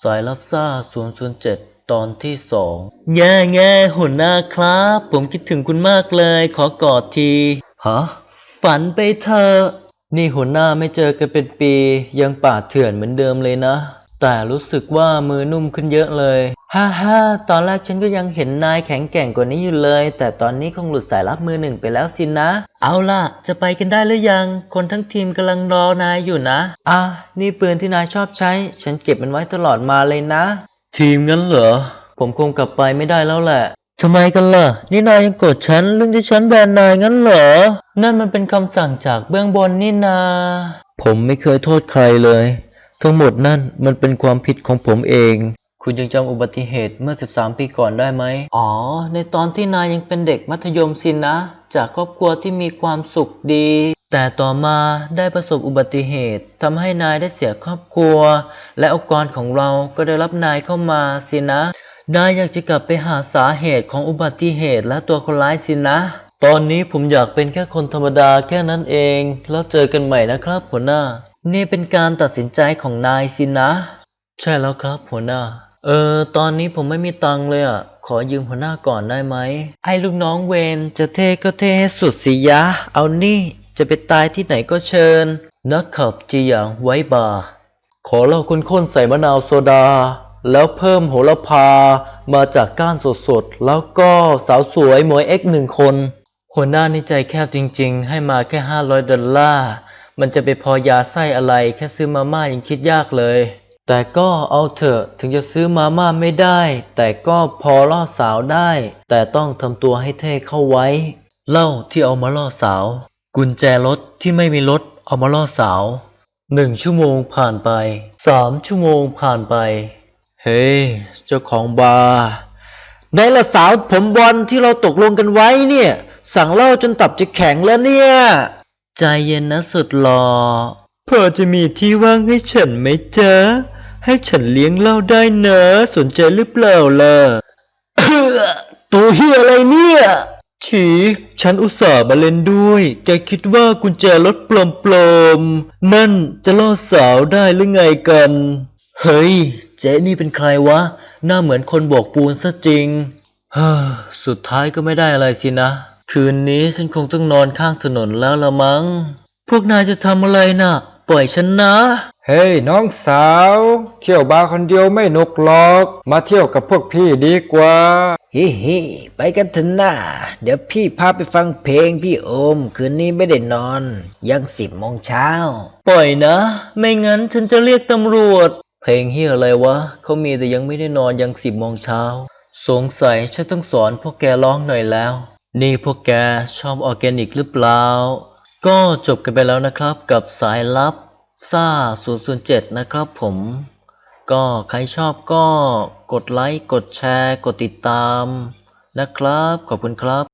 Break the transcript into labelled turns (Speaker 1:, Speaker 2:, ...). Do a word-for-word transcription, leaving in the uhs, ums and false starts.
Speaker 1: ายลับซ่าศูนย์ ศูนย์ เจ็ดตอนที่สองแง่แง่หัวหน้าครับผมคิดถึงคุณมากเลยขอกอดทีฮะฝันไปเถอะนี่หัวหน้าไม่เจอกันเป็นปียังป่าเถื่อนเหมือนเดิมเลยนะแต่รู้สึกว่ามือนุ่มขึ้นเยอะเลยฮ่าฮ่าตอนแรกฉันก็ยังเห็นนายแข็งแกร่งกว่านี้อยู่เลยแต่ตอนนี้คงหลุดสายลับมือหนึ่งไปแล้วสินะเอาล่ะจะไปกันได้หรือยังคนทั้งทีมกำลังรอนายอยู่นะอ่ะนี่ปืนที่นายชอบใช้ฉันเก็บมันไว้ตลอดมาเลยนะทีมงั้นเหรอผมคงกลับไปไม่ได้แล้วแหละทำไมกันล่ะนี่นายยังโกรธฉันเรื่องที่ฉันแบนนายงั้นเหรอนั่นมันเป็นคำสั่งจากเบื้องบนนี่นาผมไม่เคยโทษใครเลยทั้งหมดนั่นมันเป็นความผิดของผมเองคุณยังจำอุบัติเหตุเมื่อสิบสามปีก่อนได้ไหมอ๋อในตอนที่นายยังเป็นเด็กมัธยมสินะจากครอบครัวที่มีความสุขดีแต่ต่อมาได้ประสบอุบัติเหตุทำให้นายได้เสียครอบครัวและองค์กรของเราก็ได้รับนายเข้ามาสินะนายอยากจะกลับไปหาสาเหตุของอุบัติเหตุและตัวคนร้ายสินะตอนนี้ผมอยากเป็นแค่คนธรรมดาแค่นั้นเองแล้วเจอกันใหม่นะครับหัวหน้านี่เป็นการตัดสินใจของนายสินะใช่แล้วครับหัวหน้าเออตอนนี้ผมไม่มีตังค์เลยอ่ะขอยืมหัวหน้าก่อนได้ไหมไอ้ลูกน้องเวนจะเท่ก็เท่ให้สุดสิยะเอานี่จะไปตายที่ไหนก็เชิญนักขับจีหยางไว้บาร์ขอเหล้าข้นๆใส่มะนาวโซดาแล้วเพิ่มโหระพามาจากก้านสดๆแล้วก็สาวสวยหมวยเอ็กหนึ่งคนหัวหน้านี่ใจแคบจริงๆให้มาแค่ห้าร้อยดอลลาร์มันจะไปพอยาไส้อะไรแค่ซื้อมาม่ายังคิดยากเลยแต่ก็เอาเถอะถึงจะซื้อมาม่าไม่ได้แต่ก็พอล่อสาวได้แต่ต้องทำตัวให้เท่เข้าไว้เหล้าที่เอามาล่อสาวกุญแจรถที่ไม่มีรถเอามาล่อสาวหนึ่งชั่วโมงผ่านไปสามชั่วโมงผ่านไปเฮ้ hey, เจ้าของบาร์ในละสาวผมบอลที่เราตกลงกันไว้เนี่ยสั่งเหล้าจนตับจะแข็งแล้วเนี่ยใจเย็นนะสุดหล่อพอจะมีที่ว่างให้ฉันไหมจ๊ะให้ฉันเลี้ยงเหล้าได้เนอะสนใจหรือเปล่าล่ะ ตัวเฮียอะไรเนี่ยฉีฉันอุตส่าห์มาเล่นด้วยแกคิดว่ากุญแจรถปลอมๆนั่นจะล่อสาวได้หรือไงกันเฮ้ยเจ๊นี่เป็นใครวะหน้าเหมือนคนโบกปูนซะจริงเฮ้อสุดท้ายก็ไม่ได้อะไรสินะคืนนี้ฉันคงต้องนอนข้างถนนแล้วละมั้งพวกนายจะทำอะไรน่ะปล่อยฉันนะ
Speaker 2: เฮ้ยน้องสาวเที่ยวบาร์คนเดียวไม่หนุกหรอกมาเที่ยวกับพวกพี่ดีกว่า
Speaker 3: ฮิฮิไปกันเถอะนะเดี๋ยวพี่พาไปฟังเพลงพี่โอมคืนนี้ไม่ได้นอนยังสิบโมงเช้า
Speaker 1: ปล่อยนะไม่งั้นฉันจะเรียกตำรวจเพลงเฮียอะไรวะเขามีแต่ยังไม่ได้นอนยังสิบโมงเช้าสงสัยฉันต้องสอนพวกแกร้องหน่อยแล้วนี่พวกแกชอบออร์แกนิกหรือเปล่าก็จบกันไปแล้วนะครับกับสายลับซ่าศูนย์ ศูนย์ เจ็ดนะครับผมก็ใครชอบก็กดไลค์กดแชร์กดติดตามนะครับขอบคุณครับ